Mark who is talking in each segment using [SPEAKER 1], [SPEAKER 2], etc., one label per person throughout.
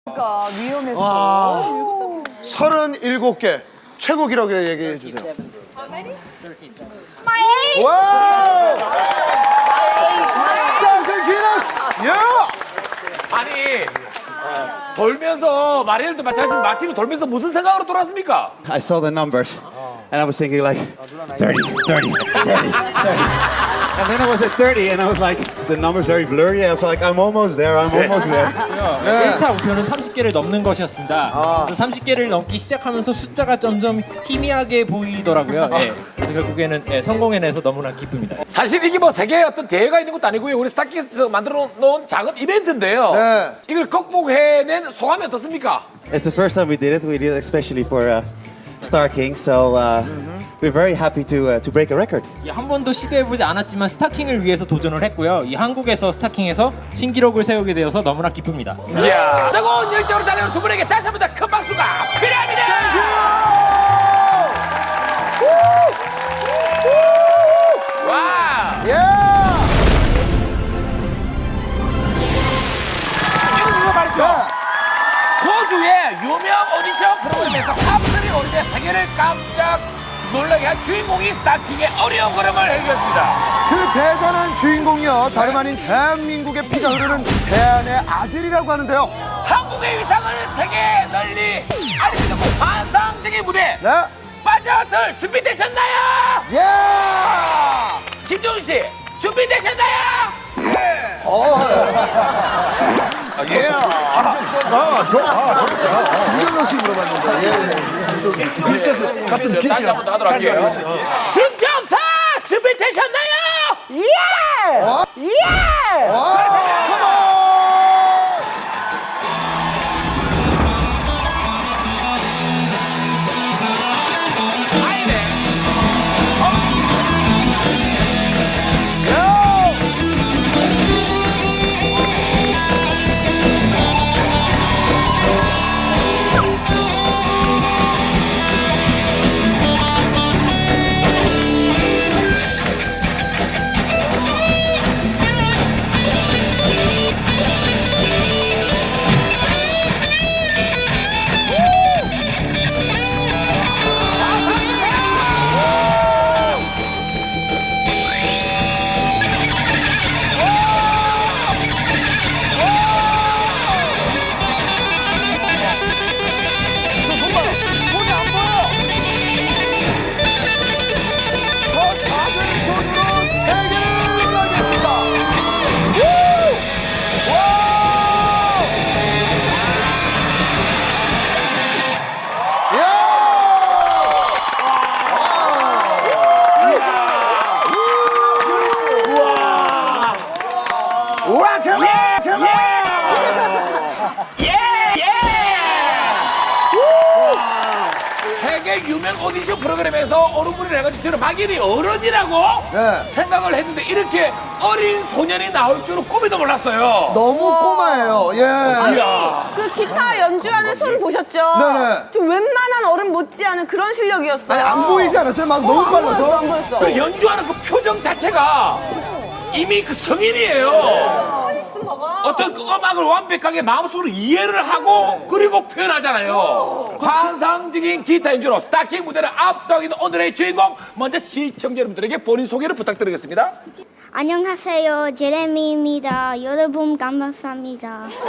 [SPEAKER 1] 그러니까 위험했어.
[SPEAKER 2] 37개 최고 기록을 얘기해 주세요.
[SPEAKER 1] 마이
[SPEAKER 2] 와! 스타크 기너스! 야!
[SPEAKER 3] 아니 돌면서 마리엘도 마찬가지 마티도 돌면서 무슨 생각으로 돌았습니까?
[SPEAKER 4] I saw the numbers and I was thinking like 30, 30, 30, 30. And then I was at 30 and I was like, the number's very blurry. I was like, I'm almost there, I'm almost there.
[SPEAKER 5] 1차 목표는 30개를 넘는 것이었습니다. 그래서 30개를 넘기 시작하면서 숫자가 점점 희미하게 보이더라고요. 예. 그래서 결국에는 성공해내서 너무나 기쁩니다.
[SPEAKER 3] 사실 이게 뭐 세계의 어떤 대회가 있는 것도 아니고요. 우리 스타킹에서 만들어 놓은 작은 이벤트인데요.
[SPEAKER 2] 네.
[SPEAKER 3] 이걸 극복해낸 소감이 어떻습니까?
[SPEAKER 4] It's the first time we did it. We did it especially for Star King. So we're very happy to break a record.
[SPEAKER 5] 한 번도 시도해보지 않았지만 스타킹을 위해서 도전을 했고요. 이 한국에서 스타킹에서 신기록을 세우게 되어서 너무나 기쁩니다.
[SPEAKER 3] 이야, 뜨거운 열정으로 달려오는 두 분에게 다시 한 번 더 큰 박수가 필요합니다. 와,
[SPEAKER 2] 예!
[SPEAKER 3] 이거 말이죠.
[SPEAKER 2] 네.
[SPEAKER 3] 호주의 유명 오디션 프로그램에서 탑3 오리대 세계를 깜짝 놀라게 한 주인공이 스타킹의 어려운 걸음을 해결했습니다.
[SPEAKER 2] 그 대단한 주인공이요. 다름 아닌 대한민국의 피가 흐르는 대한의 아들이라고 하는데요.
[SPEAKER 3] 한국의 위상을 세계에 널리 알리는 환상적인 무대
[SPEAKER 2] 네?
[SPEAKER 3] 빠져들 준비되셨나요?
[SPEAKER 2] 예!
[SPEAKER 3] 김종훈 씨 준비되셨나요?
[SPEAKER 2] 예! 이경영 씨 물어봤는데. 예.
[SPEAKER 3] 다시 한 번 더 하도록 할게요. 김정사 준비되셨나요?
[SPEAKER 1] 예! 예!
[SPEAKER 2] 컴온!
[SPEAKER 3] 세계 유명 오디션 프로그램에서 어른분이 해가지고 저는 막연히 어른이라고
[SPEAKER 2] 네.
[SPEAKER 3] 생각을 했는데 이렇게 어린 소년이 나올 줄은 꿈에도 몰랐어요.
[SPEAKER 2] 너무 꼬마예요. 예.
[SPEAKER 1] 그 기타 연주하는 손 보셨죠?
[SPEAKER 2] 네네.
[SPEAKER 1] 좀 웬만한 어른 못지않은 그런 실력이었어요.
[SPEAKER 2] 아니, 안 보이지 않았어요? 막 너무
[SPEAKER 1] 안
[SPEAKER 2] 빨라서.
[SPEAKER 1] 보였어, 안 보였어.
[SPEAKER 3] 그 연주하는 그 표정 자체가 이미 그 성인이에요. 어떤 그 음악을 완벽하게 마음속으로 이해를 하고 그리고 표현하잖아요. 환상적인 기타 연주로 스타킹 무대를 압도하기는 오늘의 주인공. 먼저 시청자 여러분들에게 본인 소개를 부탁드리겠습니다.
[SPEAKER 6] 안녕하세요. 제레미입니다. 여러분 감사합니다.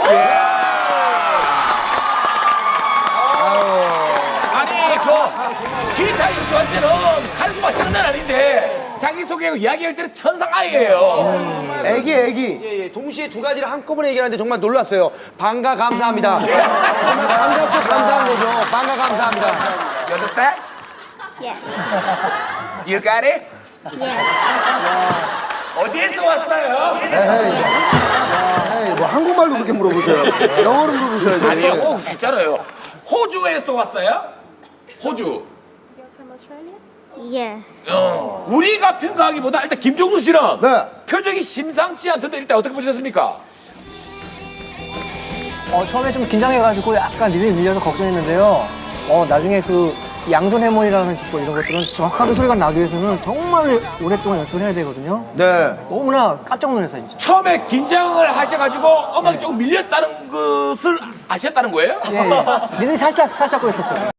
[SPEAKER 3] 아니 그 기타 연주할 때는 카리스마 장난 아닌데 자기소개하고 이야기할 때는 천상아이예요.
[SPEAKER 2] 애기.
[SPEAKER 7] 예, 동시에 두 가지를 한꺼번에 얘기하는데 정말 놀랐어요. 반가 감사합니다. 정말 감사합니다. 감사한 거죠. 반가 감사합니다.
[SPEAKER 3] You understand?
[SPEAKER 6] 예.
[SPEAKER 3] You got it?
[SPEAKER 6] 예.
[SPEAKER 3] 어디에서 왔어요?
[SPEAKER 2] 에이, 뭐 한국말로 그렇게 물어보세요. 영어로 물어보셔야죠.
[SPEAKER 3] 아니 영어 진짜로요. 호주에서 왔어요? 호주.
[SPEAKER 6] 예.
[SPEAKER 3] 우리가 평가하기보다 일단 김종수 씨는
[SPEAKER 2] 네.
[SPEAKER 3] 표정이 심상치 않던데 일단 어떻게 보셨습니까?
[SPEAKER 8] 처음에 좀 긴장해가지고 약간 리듬이 밀려서 걱정했는데요. 나중에 그 양손 해머니라는 주법 이런 것들은 정확하게 소리가 나기 위해서는 정말 오랫동안 연습을 해야 되거든요.
[SPEAKER 2] 네.
[SPEAKER 8] 너무나 깜짝 놀랐어요, 진짜.
[SPEAKER 3] 처음에 긴장을 하셔가지고 음악이 조금 밀렸다는 것을 아셨다는 거예요?
[SPEAKER 8] 예, 예. 리듬이 살짝 꼬였었어요.